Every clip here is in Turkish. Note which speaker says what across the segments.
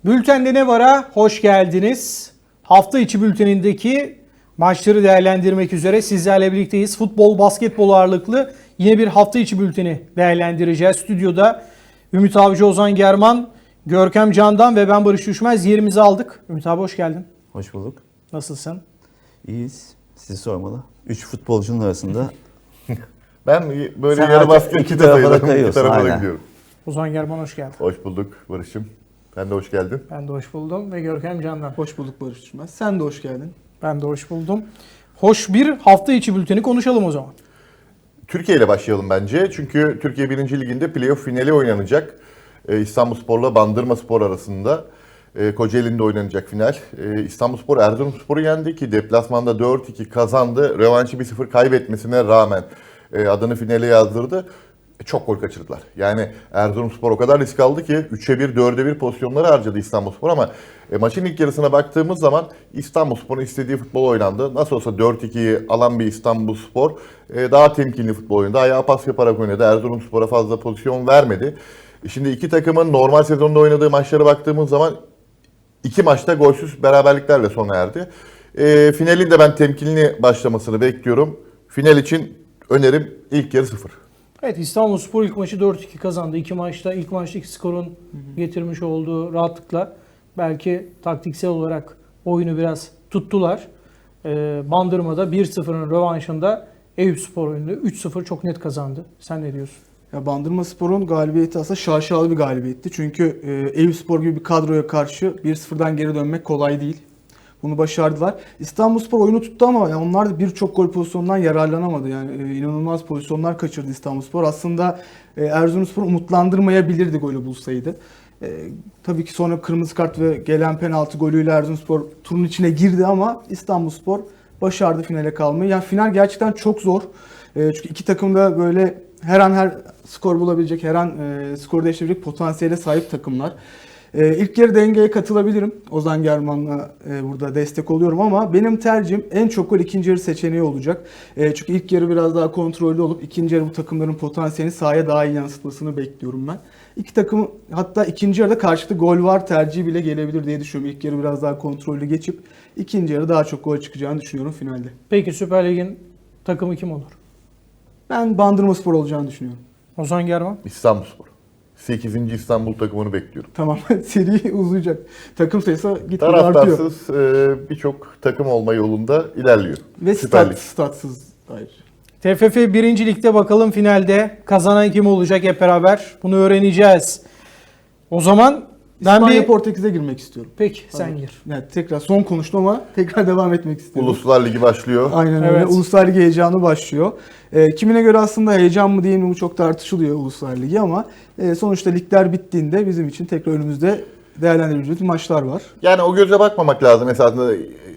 Speaker 1: Bültende ne var'a hoş geldiniz. Hafta içi bültenindeki maçları değerlendirmek üzere sizlerle birlikteyiz. Futbol, basketbol ağırlıklı yine bir hafta içi bülteni değerlendireceğiz. Stüdyoda Ümit Avcı, Ozan German, Görkem Candan ve ben Barış Düşmez yerimizi aldık. Ümit abi hoş geldin.
Speaker 2: Hoş bulduk.
Speaker 1: Nasılsın?
Speaker 2: İyiyiz. Sizi sormalı. 3 futbolcunun arasında
Speaker 3: Ben böyle
Speaker 2: sen
Speaker 3: yarı baskı
Speaker 2: iki tarafa da kayıyorsun.
Speaker 3: iki tarafa da
Speaker 2: Aynen.
Speaker 3: gidiyorum.
Speaker 1: Ozan German hoş geldin.
Speaker 3: Hoş bulduk Barış'ım. Sen de hoş geldin.
Speaker 1: Ben de hoş buldum ve Görkem Candan.
Speaker 4: Hoş bulduk Barış Düşmez. Sen de hoş geldin.
Speaker 1: Ben de hoş buldum. Hoş bir hafta içi bülteni konuşalım o zaman.
Speaker 3: Türkiye ile başlayalım bence. Çünkü Türkiye 1. Ligi'nde playoff finali oynanacak. İstanbulspor'la Bandırmaspor arasında. Kocaeli'nde oynanacak final. İstanbulspor Erzurumspor'u yendi ki deplasmanda 4-2 kazandı. Rövanşı 1-0 kaybetmesine rağmen adını finale yazdırdı. Çok gol kaçırdılar. Yani Erzurumspor o kadar risk aldı ki 3'e 1, 4'e 1 pozisyonları harcadı İstanbulspor ama maçın ilk yarısına baktığımız zaman İstanbulspor'un istediği futbol oynandı. Nasıl olsa 4-2'yi alan bir İstanbulspor daha temkinli futbol oynadı. Ayağa pas yaparak oynadı. Erzurumspor'a fazla pozisyon vermedi. Şimdi iki takımın normal sezonda oynadığı maçlara baktığımız zaman iki maçta golsüz beraberliklerle sona erdi. Finalin de ben temkinli başlamasını bekliyorum. Final için önerim ilk yarı 0.
Speaker 1: Evet, İstanbulspor ilk maçı 4-2 kazandı. İlk maçtaki skorun getirmiş olduğu rahatlıkla belki taktiksel olarak oyunu biraz tuttular. Bandırma'da 1-0'ın rövanşında Eyüpspor oyunu 3-0 çok net kazandı. Sen ne diyorsun?
Speaker 4: Ya Bandırmaspor'un galibiyeti aslında şaşalı bir galibiyetti. Çünkü Eyüpspor gibi bir kadroya karşı 1-0'dan geri dönmek kolay değil. Bunu başardılar. İstanbulspor oyunu tuttu ama yani onlar da birçok gol pozisyonundan yararlanamadı. Yani inanılmaz pozisyonlar kaçırdı İstanbulspor. Aslında Erzurumspor umutlandırmayabilirdi golü bulsaydı. Tabii ki sonra kırmızı kart ve gelen penaltı golüyle Erzurumspor turun içine girdi ama İstanbulspor başardı finale kalmayı. Yani final gerçekten çok zor. Çünkü iki takım da böyle her an her skor bulabilecek, her an skor değiştirebilecek potansiyele sahip takımlar. İlk yarı dengeye katılabilirim. Ozan German'la burada destek oluyorum ama benim tercihim en çok gol ikinci yarı seçeneği olacak. Çünkü ilk yarı biraz daha kontrollü olup ikinci yarı bu takımların potansiyelini sahaya daha iyi yansıtmasını bekliyorum ben. İki takım hatta ikinci yarıda karşılıklı gol var tercihi bile gelebilir diye düşünüyorum. İlk yarı biraz daha kontrollü geçip ikinci yarı daha çok gol çıkacağını düşünüyorum finalde.
Speaker 1: Peki Süper Lig'in takımı kim olur?
Speaker 4: Ben Bandırmaspor olacağını düşünüyorum.
Speaker 1: Ozan German.
Speaker 3: İstanbulspor. 8. İstanbul takımını bekliyorum.
Speaker 4: Tamam, seri uzayacak. Takım sayısı gitgide artıyor.
Speaker 3: Taraftarsız birçok takım olma yolunda ilerliyor.
Speaker 4: Ve
Speaker 3: Süper Lig.
Speaker 4: statsız ayrıca.
Speaker 1: TFF 1. Lig'de bakalım finalde kazanan kim olacak hep beraber bunu öğreneceğiz. O zaman ben
Speaker 4: İspanya Portekiz'e girmek istiyorum.
Speaker 1: Peki sen gir.
Speaker 4: Yani tekrar son konuştum ama tekrar devam etmek istiyorum.
Speaker 3: Uluslar Ligi başlıyor.
Speaker 4: Aynen öyle.
Speaker 1: Evet.
Speaker 4: Uluslar Ligi heyecanı başlıyor. Kimine göre aslında heyecan mı değil mi bu çok tartışılıyor Uluslar Ligi ama sonuçta ligler bittiğinde bizim için tekrar önümüzde değerlendirebileceğimiz maçlar var.
Speaker 3: Yani o göze bakmamak lazım esasında.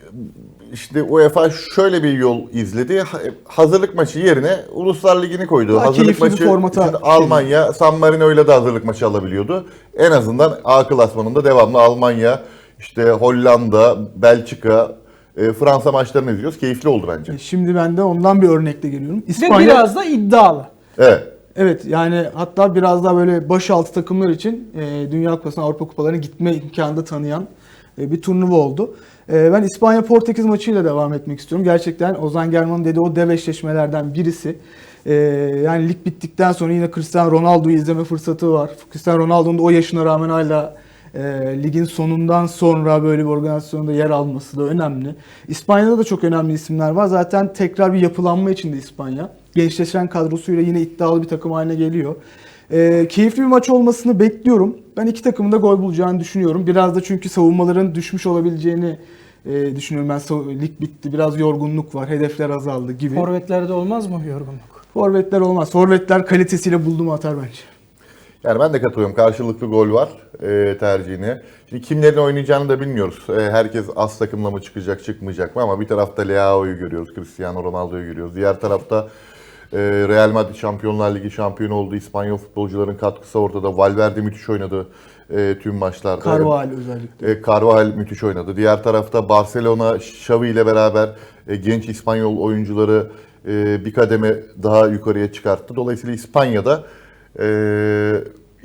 Speaker 3: İşte UEFA şöyle bir yol izledi. Hazırlık maçı yerine Uluslar Ligi'ni koydu.
Speaker 4: Daha
Speaker 3: hazırlık
Speaker 4: keyifli bir
Speaker 3: maçı
Speaker 4: formata
Speaker 3: için Almanya, San Marino'yla da hazırlık maçı alabiliyordu. En azından A klasmanında devamlı Almanya, işte Hollanda, Belçika, Fransa maçlarını izliyoruz. Keyifli oldu bence.
Speaker 4: Şimdi ben de ondan bir örnekle geliyorum.
Speaker 1: Ve biraz da iddialı.
Speaker 3: Evet.
Speaker 4: Evet yani hatta biraz daha böyle başaltı takımlar için Dünya Kupası'na, Avrupa Kupalarına gitme imkanı da tanıyan bir turnuva oldu. Ben İspanya-Portekiz maçıyla devam etmek istiyorum. Gerçekten Ozan German'ın dediği o dev eşleşmelerden birisi. Yani lig bittikten sonra yine Cristiano Ronaldo'yu izleme fırsatı var. Cristiano Ronaldo'nun da o yaşına rağmen hala ligin sonundan sonra böyle bir organizasyonda yer alması da önemli. İspanya'da da çok önemli isimler var. Zaten tekrar bir yapılanma içinde İspanya. Gençleşen kadrosuyla yine iddialı bir takım haline geliyor. Keyifli bir maç olmasını bekliyorum. Ben iki takımın da gol bulacağını düşünüyorum. Biraz da çünkü savunmaların düşmüş olabileceğini düşünüyorum. Lig bitti, biraz yorgunluk var, hedefler azaldı gibi.
Speaker 1: Forvetlerde olmaz mı yorgunluk?
Speaker 4: Forvetler olmaz. Forvetler kalitesiyle buldu mu atar bence.
Speaker 3: Yani ben de katılıyorum. Karşılıklı gol var tercihine. Şimdi kimlerin oynayacağını da bilmiyoruz. Herkes az takımla mı çıkacak, çıkmayacak mı? Ama bir tarafta Leao'yu görüyoruz, Cristiano Ronaldo'yu görüyoruz. Diğer tarafta Real Madrid Şampiyonlar Ligi şampiyonu oldu. İspanyol futbolcuların katkısı ortada. Valverde müthiş oynadı tüm maçlarda.
Speaker 4: Carvajal özellikle.
Speaker 3: Carvajal müthiş oynadı. Diğer tarafta Barcelona, Xavi ile beraber genç İspanyol oyuncuları bir kademe daha yukarıya çıkarttı. Dolayısıyla İspanya'da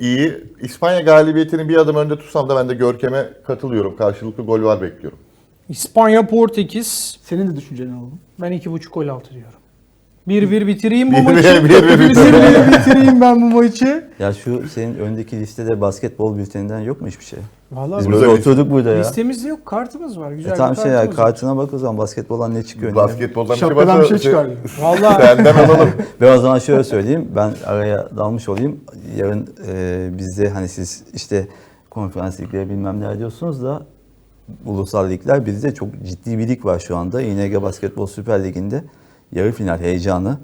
Speaker 3: iyi. İspanya galibiyetini bir adım önde tutsam da ben de Görkem'e katılıyorum. Karşılıklı gol var bekliyorum.
Speaker 1: İspanya Portekiz.
Speaker 4: Senin de düşünceni alalım.
Speaker 1: Ben 2.5 gol altı diyorum. 1-1 bitireyim bu
Speaker 3: 1-1
Speaker 1: maçı.
Speaker 3: 1-1
Speaker 1: 1-1 bitireyim ben bu maçı.
Speaker 2: Ya şu senin öndeki listede basketbol bülteninden yok mu hiçbir şey?
Speaker 1: Vallahi
Speaker 2: Biz
Speaker 3: Burada
Speaker 2: böyle
Speaker 3: liste-
Speaker 2: oturduk burada ya.
Speaker 1: listemizde yok. Kartımız var. Güzel
Speaker 2: Tamam
Speaker 1: bir
Speaker 2: şey ya,
Speaker 1: kartımız var.
Speaker 2: kartına bak o zaman basketboldan ne çıkıyor?
Speaker 3: Basketboldan bir şey
Speaker 4: Şapkadan
Speaker 3: varsa
Speaker 4: bir şey çıkar.
Speaker 1: Vallahi
Speaker 3: senden alalım.
Speaker 2: Ve o zaman şöyle söyleyeyim, ben araya dalmış olayım. Yarın bizde hani siz işte konferans ligleri bilmem ne diyorsunuz da ulusal ligler, bizde çok ciddi bir lig var şu anda. İNG Basketbol Süper Ligi'nde yarı final heyecanı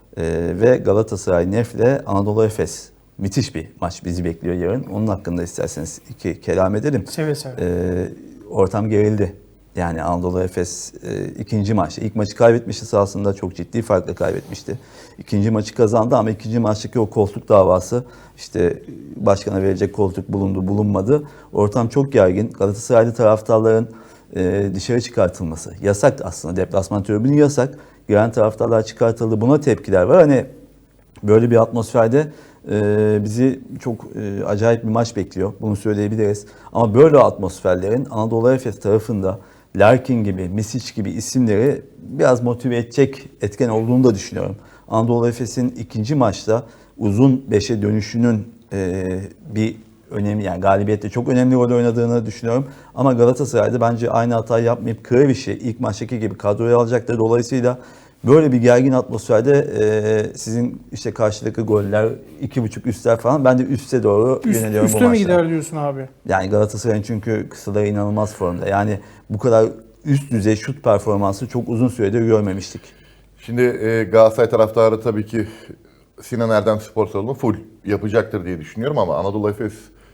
Speaker 2: ve Galatasaray Nef'le Anadolu Efes. Müthiş bir maç bizi bekliyor yarın. Onun hakkında isterseniz iki kelam edelim.
Speaker 1: seve seve.
Speaker 2: Ortam gerildi. Yani Anadolu Efes ikinci maçta. İlk maçı kaybetmişti sahasında, çok ciddi farkla kaybetmişti. İkinci maçı kazandı ama ikinci maçtaki o koltuk davası, işte başkana verecek koltuk bulundu bulunmadı. Ortam çok gergin. Galatasaraylı taraftarların dışarı çıkartılması. Yasak aslında. Deplasman tribünü yasak. Giren taraftarlar çıkartıldı. Buna tepkiler var. Hani böyle bir atmosferde bizi çok acayip bir maç bekliyor. Bunu söyleyebiliriz. Ama böyle atmosferlerin Anadolu Efes tarafında Larkin gibi, Misic gibi isimleri biraz motive edecek etken olduğunu da düşünüyorum. Anadolu Efes'in ikinci maçta uzun 5'e dönüşünün bir önemli, yani galibiyette çok önemli rol oynadığını düşünüyorum. Ama Galatasaray'da bence aynı hatayı yapmayıp Kreviş'i ilk maçtaki gibi kadroya alacaktır. Dolayısıyla böyle bir gergin atmosferde sizin işte karşıdaki goller 2.5 üstler falan, ben de üste doğru yöneliyorum bu
Speaker 1: Üste mi
Speaker 2: maçta.
Speaker 1: gider diyorsun abi?
Speaker 2: Yani Galatasaray'ın çünkü kısaları inanılmaz formda. Yani bu kadar üst düzey şut performansı çok uzun süredir görmemiştik.
Speaker 3: Şimdi Galatasaray taraftarı tabii ki Sinan Erdem Spor Salonu full yapacaktır diye düşünüyorum ama Anadolu Efes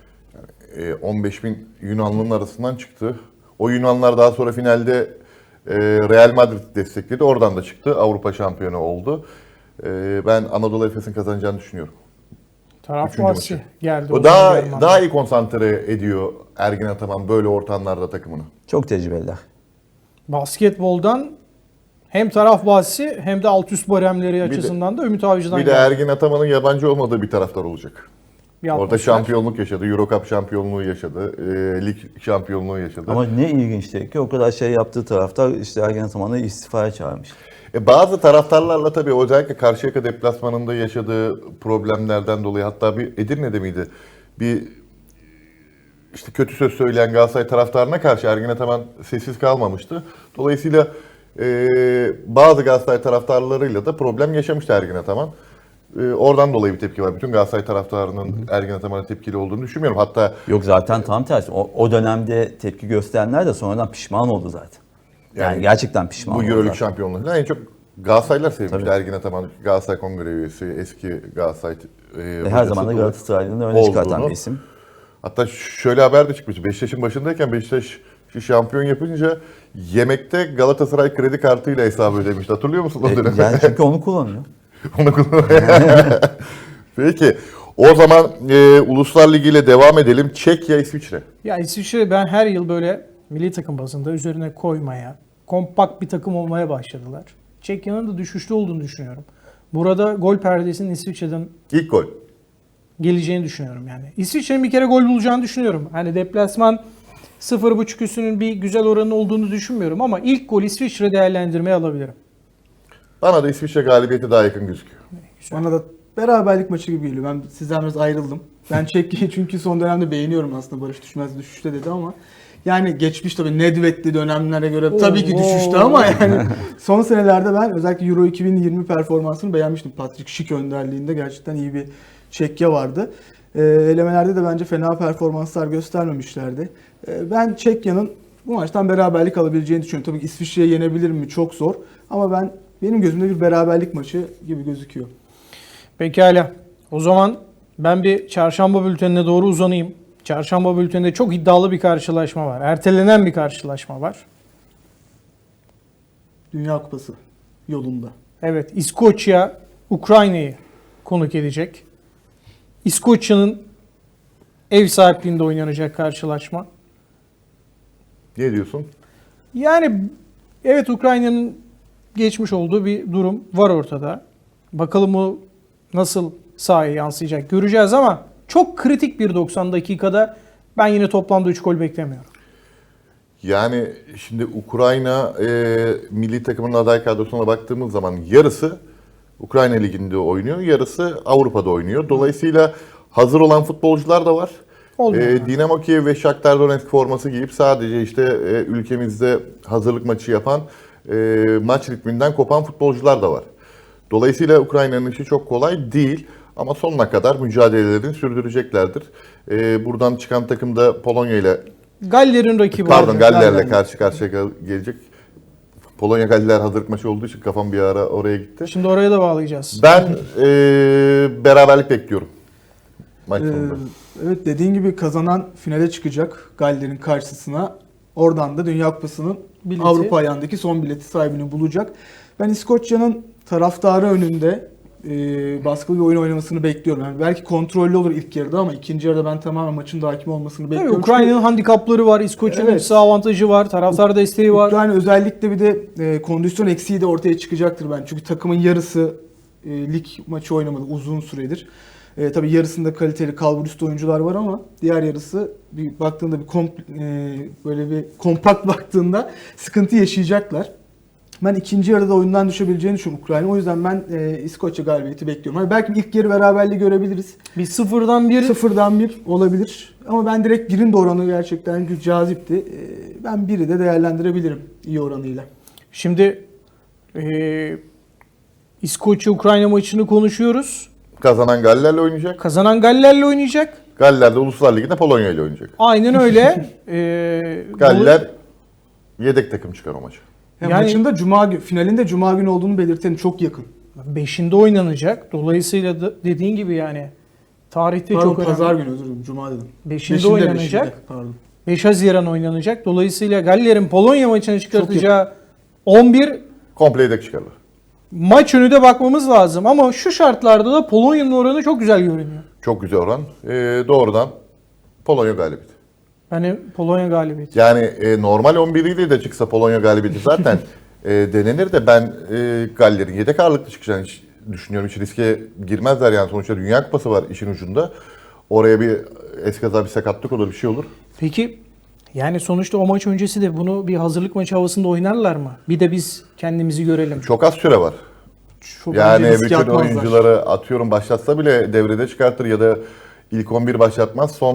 Speaker 3: 15.000 Yunanlı'nın arasından çıktı. O Yunanlar daha sonra finalde Real Madrid destekledi. Oradan da çıktı. Avrupa şampiyonu oldu. Ben Anadolu Efes'in kazanacağını düşünüyorum.
Speaker 1: Taraf
Speaker 3: Üçüncü
Speaker 1: bahsi
Speaker 3: maçı.
Speaker 1: geldi.
Speaker 3: O daha iyi konsantre ediyor Ergin Ataman böyle ortamlarda takımını.
Speaker 2: Çok tecrübeliler.
Speaker 1: Basketboldan hem taraf bahsi hem de alt üst baremleri açısından da Ümit Avcı'dan
Speaker 3: Bir de
Speaker 1: geldi.
Speaker 3: Ergin Ataman'ın yabancı olmadığı bir taraftar olacak.
Speaker 1: Bir
Speaker 3: Orada
Speaker 1: atmosfer.
Speaker 3: şampiyonluk yaşadı, Euro Cup şampiyonluğu yaşadı, lig şampiyonluğu yaşadı.
Speaker 2: Ama ne ilginçti ki o kadar şey yaptığı taraftar işte Ergen Ataman'ı istifaya çağırmış.
Speaker 3: Bazı taraftarlarla tabii özellikle Karşıyaka deplasmanında yaşadığı problemlerden dolayı, hatta bir Edirne'de miydi? Bir işte kötü söz söyleyen Galatasaray taraftarına karşı Ergin Ataman sessiz kalmamıştı. Dolayısıyla bazı Galatasaray taraftarlarıyla da problem yaşamıştı Ergin Ataman. Oradan dolayı bir tepki var. Bütün Galatasaray taraftarının Ergin Ataman'a tepkili olduğunu düşünmüyorum. Hatta
Speaker 2: Yok zaten tam tersi. O dönemde tepki gösterenler de sonradan pişman oldu zaten. Yani gerçekten pişman
Speaker 3: bu
Speaker 2: oldu.
Speaker 3: Euroleague
Speaker 2: zaten.
Speaker 3: şampiyonluğu falan en çok Galatasaraylılar sevmişti.
Speaker 2: Tabii.
Speaker 3: Ergin Ataman, Galatasaray Kongre üyesi, eski Galatasaray
Speaker 2: Her zaman da Galatasaray'ın öne çıkartan
Speaker 3: olduğunu.
Speaker 2: bir isim.
Speaker 3: Hatta şöyle haber de çıkmıştı. Beşiktaş'ın başındayken Beşiktaş şampiyon yapınca yemekte Galatasaray kredi kartıyla hesabı ödemişti. Hatırlıyor musun o dönemi?
Speaker 2: Yani çünkü onu kullanıyor.
Speaker 3: Onu Peki. O zaman Uluslar Ligi ile devam edelim. Çekya, İsviçre.
Speaker 1: Ya İsviçre, ben her yıl böyle milli takım bazında üzerine koymaya, kompakt bir takım olmaya başladılar. Çekya'nın da düşüşte olduğunu düşünüyorum. Burada gol perdesinin İsviçre'den
Speaker 3: İlk gol.
Speaker 1: geleceğini düşünüyorum yani. İsviçre'nin bir kere gol bulacağını düşünüyorum. Hani deplasman 0.5 üstünün bir güzel oranı olduğunu düşünmüyorum ama ilk gol İsviçre değerlendirmeye alabilirim.
Speaker 3: Bana da İsviçre galibiyeti daha yakın gözüküyor.
Speaker 4: Bana da beraberlik maçı gibi geliyor. Ben sizden biraz ayrıldım. Ben Çekya'yı çünkü son dönemde beğeniyorum aslında. Barış düşmez düşüşte dedi ama yani geçmiş tabii Nedved'li dönemlere göre tabii ki düşüştü ama yani son senelerde ben özellikle Euro 2020 performansını beğenmiştim. Patrick Schick önderliğinde gerçekten iyi bir Çekya vardı. Elemelerde de bence fena performanslar göstermemişlerdi. Ben Çekya'nın bu maçtan beraberlik alabileceğini düşünüyorum. Tabii ki İsviçre'yi yenebilir mi? Çok zor. Ama benim gözümde bir beraberlik maçı gibi gözüküyor.
Speaker 1: Pekala. O zaman ben bir çarşamba bültenine doğru uzanayım. Çarşamba bülteninde çok iddialı bir karşılaşma var. Ertelenen bir karşılaşma var.
Speaker 4: Dünya Kupası yolunda.
Speaker 1: Evet, İskoçya Ukrayna'yı konuk edecek. İskoçya'nın ev sahipliğinde oynanacak karşılaşma.
Speaker 3: Ne diyorsun?
Speaker 1: Yani evet, Ukrayna'nın geçmiş olduğu bir durum var ortada. Bakalım o nasıl sahaya yansıyacak göreceğiz ama çok kritik bir 90 dakikada ben yine toplamda 3 gol beklemiyorum.
Speaker 3: Yani şimdi Ukrayna milli takımının aday kadrosuna baktığımız zaman yarısı Ukrayna Ligi'nde oynuyor, yarısı Avrupa'da oynuyor. Dolayısıyla hazır olan futbolcular da var.
Speaker 1: Olmuyor.
Speaker 3: Dinamo Kiev ve Shakhtar Donetsk forması giyip sadece işte ülkemizde hazırlık maçı yapan, maç ritminden kopan futbolcular da var. Dolayısıyla Ukrayna'nın işi çok kolay değil ama sonuna kadar mücadelelerini sürdüreceklerdir. Buradan çıkan takım da Polonya ile
Speaker 1: Galler'in rakibi
Speaker 3: Pardon
Speaker 1: olacak.
Speaker 3: Galler'le karşı karşıya gelecek. Polonya Galler hazırlık maçı olduğu için kafam bir ara oraya gitti.
Speaker 1: Şimdi oraya da bağlayacağız.
Speaker 3: Ben beraberlik bekliyorum maç sonunda.
Speaker 4: Evet, dediğin gibi kazanan finale çıkacak Galler'in karşısına. Oradan da Dünya Kupası'nın
Speaker 1: Bileti.
Speaker 4: Avrupa ayağındaki son bileti sahibini bulacak. Ben İskoçya'nın taraftarı önünde baskılı bir oyun oynamasını bekliyorum. Yani belki kontrollü olur ilk yarıda ama ikinci yarıda ben tamamen maçın da hakim olmasını
Speaker 1: Tabii
Speaker 4: bekliyorum.
Speaker 1: Ukrayna'nın handikapları var, İskoçya'nın
Speaker 4: Evet.
Speaker 1: ise avantajı var, taraftar desteği var.
Speaker 4: Ukrayna özellikle bir de kondisyon eksiği de ortaya çıkacaktır ben. Çünkü takımın yarısı lig maçı oynamadı uzun süredir. Tabii yarısında kaliteli kalburüstü oyuncular var ama diğer yarısı bir baktığında böyle bir kompakt baktığında sıkıntı yaşayacaklar. Ben ikinci yarıda oyundan düşebileceğini düşünüyorum Ukrayna. O yüzden ben İskoçya galibiyeti bekliyorum. Hani belki ilk yarı beraberliği görebiliriz.
Speaker 1: Bir sıfırdan bir.
Speaker 4: Sıfırdan bir olabilir. Ama ben direkt birin de oranı gerçekten cazipti. Ben biri de değerlendirebilirim iyi oranıyla.
Speaker 1: Şimdi İskoçya-Ukrayna maçını konuşuyoruz.
Speaker 3: Kazanan Galler'le oynayacak.
Speaker 1: Kazanan Galler'le oynayacak.
Speaker 3: Galler de Uluslar Ligi'nde Polonya ile oynayacak.
Speaker 1: Aynen öyle.
Speaker 3: Galler yedek takım çıkar o maça.
Speaker 4: Yani
Speaker 1: Yani-
Speaker 4: maçın da finalinde cuma günü olduğunu belirtelim, çok yakın.
Speaker 1: 5'inde oynanacak. Dolayısıyla da dediğin gibi yani tarihte
Speaker 4: Pardon,
Speaker 1: çok önemli.
Speaker 4: pazar günü, özür dilerim, cuma dedim.
Speaker 1: 5'inde oynanacak.
Speaker 4: 5'inde, pardon.
Speaker 1: 5 Haziran oynanacak. Dolayısıyla Galler'in Polonya maçını çıkartacağı 11
Speaker 3: Komple yedek çıkarlar.
Speaker 1: maç önü de bakmamız lazım. Ama şu şartlarda da Polonya'nın oranı çok güzel görünüyor.
Speaker 3: Çok güzel oran. Doğrudan Polonya galibiyeti.
Speaker 1: Yani Polonya galibiyeti.
Speaker 3: Yani normal 11'iyle de çıksa Polonya galibiyeti zaten denenir de ben Galler'in yedek ağırlıklı çıkacağını düşünüyorum. Hiç riske girmezler yani, sonuçta Dünya Kupası var işin ucunda. Oraya bir eskaza, bir sakatlık olur, bir şey olur.
Speaker 1: Peki yani sonuçta o maç öncesi de bunu bir hazırlık maçı havasında oynarlar mı? Bir de biz kendimizi görelim.
Speaker 3: Çok az süre var.
Speaker 4: Çok
Speaker 3: Yani
Speaker 4: bence riske
Speaker 3: bütün
Speaker 4: atmazlar.
Speaker 3: oyuncuları atıyorum başlatsa bile devrede çıkartır ya da ilk 11 başlatmaz. Son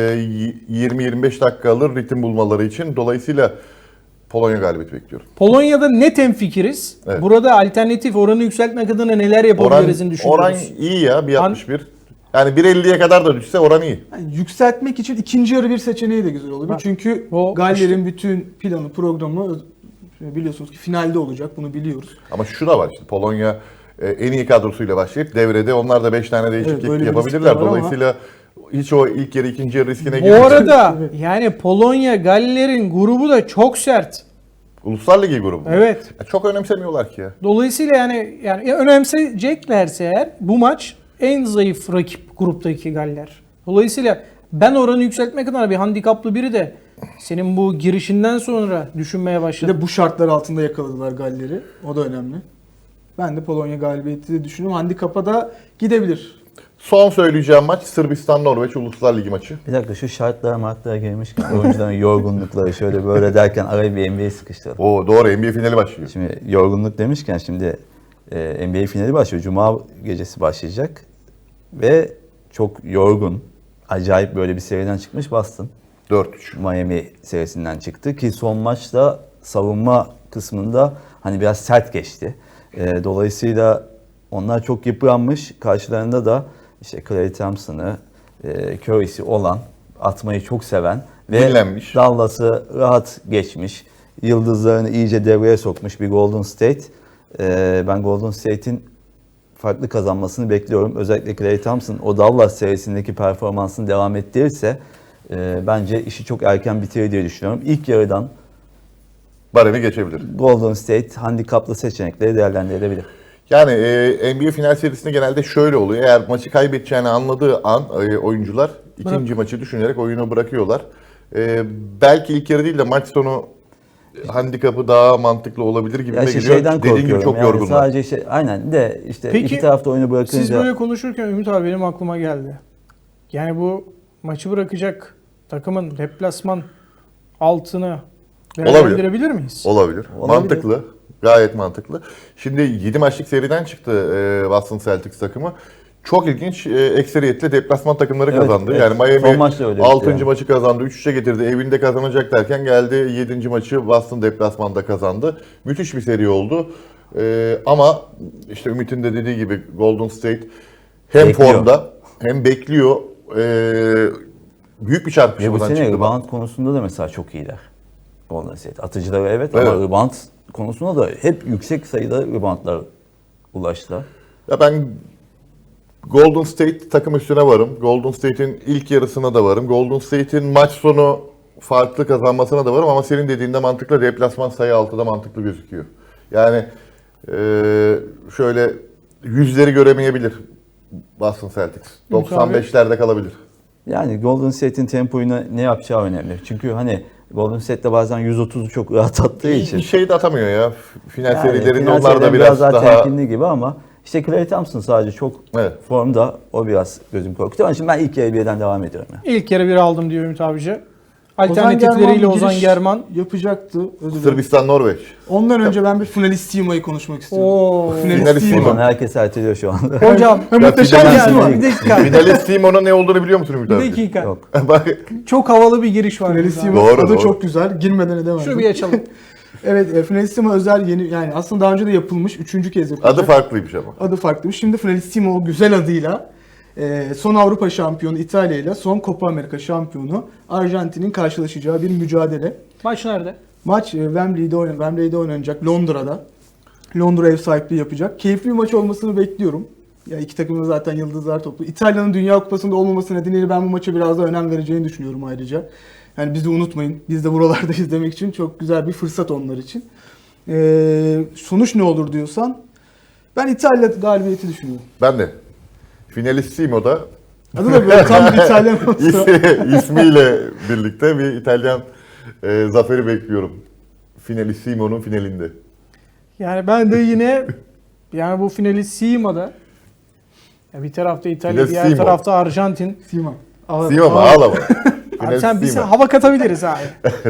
Speaker 3: 20-25 dakika alır ritim bulmaları için. Dolayısıyla Polonya galibiyeti bekliyorum.
Speaker 1: Polonya'da net hemfikiriz.
Speaker 3: Evet.
Speaker 1: Burada alternatif oranı yükseltmek adına neler yapabiliriz'ini düşünüyoruz.
Speaker 3: Oran iyi ya, 1.61. Yani 1.50'ye kadar da düşse oran iyi.
Speaker 4: Yani yükseltmek için ikinci yarı bir seçeneği de güzel olabilir.
Speaker 1: Bak,
Speaker 4: Çünkü
Speaker 1: o
Speaker 4: Galler'in bütün planı, programı biliyorsunuz ki finalde olacak. Bunu biliyoruz.
Speaker 3: Ama şu da var işte, Polonya en iyi kadrosuyla başlayıp devrede onlar da 5 tane değişiklik
Speaker 4: Evet, böyle bir
Speaker 3: yapabilirler.
Speaker 4: riskleri var ama-
Speaker 3: Dolayısıyla hiç o ilk yarı ikinci yarı riskine
Speaker 1: Bu
Speaker 3: girmeyecek.
Speaker 1: arada
Speaker 4: Evet.
Speaker 1: yani Polonya Galler'in grubu da çok sert.
Speaker 3: Uluslar Ligi grubu.
Speaker 1: Evet.
Speaker 3: Ya çok önemsemiyorlar ki ya.
Speaker 1: Dolayısıyla yani önemseyeceklerse eğer bu maç en zayıf rakip gruptaki Galler. Dolayısıyla ben oranı yükseltmek adına bir handikaplı biri de senin bu girişinden sonra düşünmeye
Speaker 4: Bir
Speaker 1: başladım.
Speaker 4: de bu şartlar altında yakaladılar Galler'i. O da önemli. Ben de Polonya galibiyeti de düşünüyorum. Handikapa da gidebilir.
Speaker 3: Son söyleyeceğim maç Sırbistan-Norveç Uluslar Ligi maçı.
Speaker 2: Bir dakika, şu şartlara girmişken oyuncuların yorgunlukları şöyle böyle derken araya bir NBA sıkıştıralım.
Speaker 3: Oo doğru, NBA finali başlıyor.
Speaker 2: Şimdi yorgunluk demişken şimdi NBA finali başlıyor. Cuma gecesi başlayacak. Ve çok yorgun, acayip böyle bir seriden çıkmış Boston.
Speaker 3: 4-3.
Speaker 2: Miami serisinden çıktı ki son maçta savunma kısmında hani biraz sert geçti. Dolayısıyla onlar çok yıpranmış. Karşılarında da işte Klay Thompson'ı, Curry'si olan, atmayı çok seven ve
Speaker 3: Dinlenmiş.
Speaker 2: Dallas'ı rahat geçmiş. Yıldızlarını iyice devreye sokmuş bir Golden State. Ben Golden State'in farklı kazanmasını bekliyorum. Özellikle Klay Thompson o Dallas serisindeki performansını devam ettirirse bence işi çok erken bitirir diye düşünüyorum. İlk yarıdan
Speaker 3: Baremi geçebilir.
Speaker 2: Golden State handikaplı seçenekleri değerlendirilebilir.
Speaker 3: Yani NBA final serisinde genelde şöyle oluyor. Eğer maçı kaybedeceğini anladığı an oyuncular ikinci maçı düşünerek oyunu bırakıyorlar. Belki ilk yarı değil de maç sonu handikapı daha mantıklı olabilir gibi
Speaker 2: Ya
Speaker 3: de
Speaker 2: işte
Speaker 3: geliyor.
Speaker 2: şeyden
Speaker 3: Dediğin
Speaker 2: korkuyorum.
Speaker 3: gibi çok
Speaker 2: yani
Speaker 3: yorgunlar.
Speaker 2: sadece aynen de işte
Speaker 1: Peki,
Speaker 2: iki tarafta oyunu bırakınca
Speaker 1: Siz böyle konuşurken Ümit abi benim aklıma geldi. Yani bu maçı bırakacak takımın deplasman altını değerlendirebilir miyiz?
Speaker 3: Olabilir.
Speaker 2: Olabilir.
Speaker 3: Mantıklı. Gayet mantıklı. Şimdi 7 maçlık seriden çıktı Boston Celtics takımı. Çok ilginç. Ekseriyetle deplasman takımları
Speaker 2: Evet,
Speaker 3: kazandı.
Speaker 2: evet.
Speaker 3: Yani
Speaker 2: Son
Speaker 3: Miami
Speaker 2: maç da öyle
Speaker 3: 6.
Speaker 2: bitti yani.
Speaker 3: maçı kazandı. 3-3'e getirdi. Evinde kazanacak derken geldi 7. maçı Boston deplasmanda kazandı. Müthiş bir seri oldu. Ama işte Ümit'in de dediği gibi Golden State hem
Speaker 2: Bekliyor.
Speaker 3: formda hem bekliyor. Büyük bir
Speaker 2: Ve bu
Speaker 3: çarpışmadan
Speaker 2: sene
Speaker 3: çıktı.
Speaker 2: rebound konusunda da mesela çok iyiler. Golden State. Atıcıları evet,
Speaker 3: Evet.
Speaker 2: ama rebound konusunda da hep yüksek sayıda reboundlar ulaştılar.
Speaker 3: Ya ben Golden State takım üstüne varım. Golden State'in ilk yarısına da varım. Golden State'in maç sonu farklı kazanmasına da varım ama senin dediğinde mantıklı, deplasman sayı 6'da mantıklı gözüküyor. Yani şöyle yüzleri göremeyebilir Boston Celtics. 95'lerde kalabilir.
Speaker 2: Yani Golden State'in tempoyu ne yapacağı önemli. Çünkü hani Golden State'de bazen 130'u çok rahat attığı için.
Speaker 3: Bir şey de atamıyor ya. Final
Speaker 2: Yani
Speaker 3: serilerinde
Speaker 2: final
Speaker 3: onlar da
Speaker 2: serileri
Speaker 3: biraz
Speaker 2: daha
Speaker 3: daha...
Speaker 2: temkinli gibi ama işte Klay Thompson sadece çok
Speaker 3: Evet.
Speaker 2: formda, o biraz gözüm korkutuyor. Ama şimdi ben ilk yarı birden devam ediyorum. Yani.
Speaker 1: İlk kere bir aldım diyor Ümit abici.
Speaker 4: Ozan
Speaker 1: Alternatifleriyle
Speaker 4: Germán bir
Speaker 1: Ozan
Speaker 4: giriş
Speaker 1: German.
Speaker 4: yapacaktı. Özür dilerim.
Speaker 3: Sırbistan, Norveç.
Speaker 4: Ondan önce ben bir finalistima'yı konuşmak istiyorum.
Speaker 1: Oo.
Speaker 3: Finalissimo.
Speaker 2: Simon herkes erteliyor şu anda.
Speaker 1: Hocam
Speaker 4: Muhteşem
Speaker 3: finalist
Speaker 4: bir
Speaker 1: yani,
Speaker 4: isim.
Speaker 1: bir dakika.
Speaker 3: Finalist Simon'un ne olduğunu biliyor musun Ümit
Speaker 1: Bir
Speaker 3: abi?
Speaker 1: dakika.
Speaker 2: Yok.
Speaker 3: Bak,
Speaker 1: Çok havalı bir giriş var.
Speaker 4: Finalissimo
Speaker 1: burada.
Speaker 3: Doğru,
Speaker 4: adı
Speaker 3: doğru.
Speaker 4: çok güzel. Girmeden edemezdim.
Speaker 1: Şunu bir açalım.
Speaker 4: Evet, Finalissimo özel yeni, yani aslında daha önce de yapılmış. 3. kez yapılacak.
Speaker 3: adı farklıymış ama.
Speaker 4: Adı farklıymış. Şimdi Finalissimo o güzel adıyla son Avrupa şampiyonu İtalya ile son Copa Amerika şampiyonu Arjantin'in karşılaşacağı bir mücadele.
Speaker 1: Maç nerede?
Speaker 4: Maç Wembley'de oynanacak, Londra'da. Londra ev sahipliği yapacak. Keyifli bir maç olmasını bekliyorum. Ya iki takım da zaten yıldızlar toplu. İtalya'nın Dünya Kupası'nda olmaması nedeniyle ben bu maça biraz daha önem vereceğini düşünüyorum ayrıca. Yani bizi unutmayın. Biz de buralardayız demek için çok güzel bir fırsat onlar için. Sonuç ne olur diyorsan ben İtalya galibiyeti düşünüyorum.
Speaker 3: Ben de. Finalissimo'da
Speaker 4: Adı da böyle tam bir İtalyan olsa.
Speaker 3: ismiyle birlikte bir İtalyan zaferi bekliyorum. Finalissimo'nun finalinde.
Speaker 1: Yani ben de yine yani bu finalissimo'da ya bir tarafta İtalya, diğer
Speaker 3: Finalissimo.
Speaker 1: tarafta Arjantin.
Speaker 4: Sima.
Speaker 3: Simo mu? Ağlama.
Speaker 1: Abi sen biz
Speaker 3: Finalissimo.
Speaker 1: hava katabiliriz abi.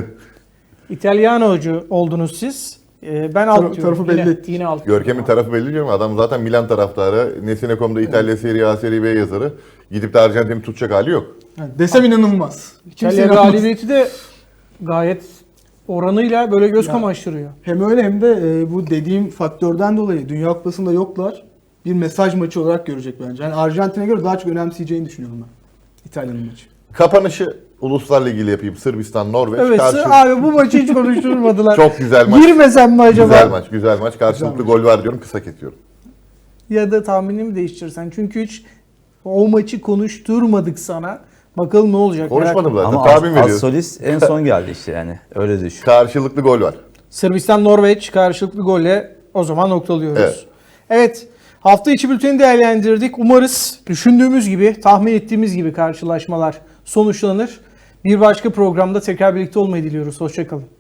Speaker 1: İtalyanocu oldunuz siz. Ben alt diyorum.
Speaker 4: tarafı belli
Speaker 1: Yine,
Speaker 4: ettik.
Speaker 1: yine alt.
Speaker 3: Görkem'in tarafı belli diyorum. Adam zaten Milan taraftarı. Nesine.com'da İtalya Serie A, Serie B yazarı. Gidip de Arjantin'i tutacak hali yok.
Speaker 4: Yani desem inanılmaz.
Speaker 1: İtalya
Speaker 4: Kimse inanmaz.
Speaker 1: galibiyeti de gayet oranıyla böyle göz kamaştırıyor.
Speaker 4: Hem öyle hem de bu dediğim faktörden dolayı Dünya Kupası'nda yoklar. Bir mesaj maçı olarak görecek bence. Yani Arjantin'e göre daha çok önemseyeceğini düşünüyorum ben. İtalya'nın maçı.
Speaker 3: Kapanışı Uluslar Ligi ile yapayım. Sırbistan, Norveç.
Speaker 1: Evet abi bu maçı hiç konuşturmadılar.
Speaker 3: Çok güzel maç.
Speaker 1: Girmesem mi acaba?
Speaker 3: Güzel maç, güzel maç. Karşılıklı
Speaker 4: Güzel
Speaker 3: gol var diyorum, kısa kesiyorum.
Speaker 1: Ya da tahminimi değiştirsen. Çünkü hiç o maçı konuşturmadık sana. Bakalım ne olacak.
Speaker 3: Konuşmadım zaten,
Speaker 2: Ama
Speaker 3: tahmin veriyorum.
Speaker 2: Assolis en son geldi işte yani. Öyle düşün.
Speaker 3: Karşılıklı gol var.
Speaker 1: Sırbistan-Norveç karşılıklı golle o zaman noktalıyoruz.
Speaker 3: Evet.
Speaker 1: Evet. Hafta içi bülteni değerlendirdik. Umarız düşündüğümüz gibi, tahmin ettiğimiz gibi karşılaşmalar sonuçlanır. Bir başka programda tekrar birlikte olmayı diliyoruz. Hoşçakalın.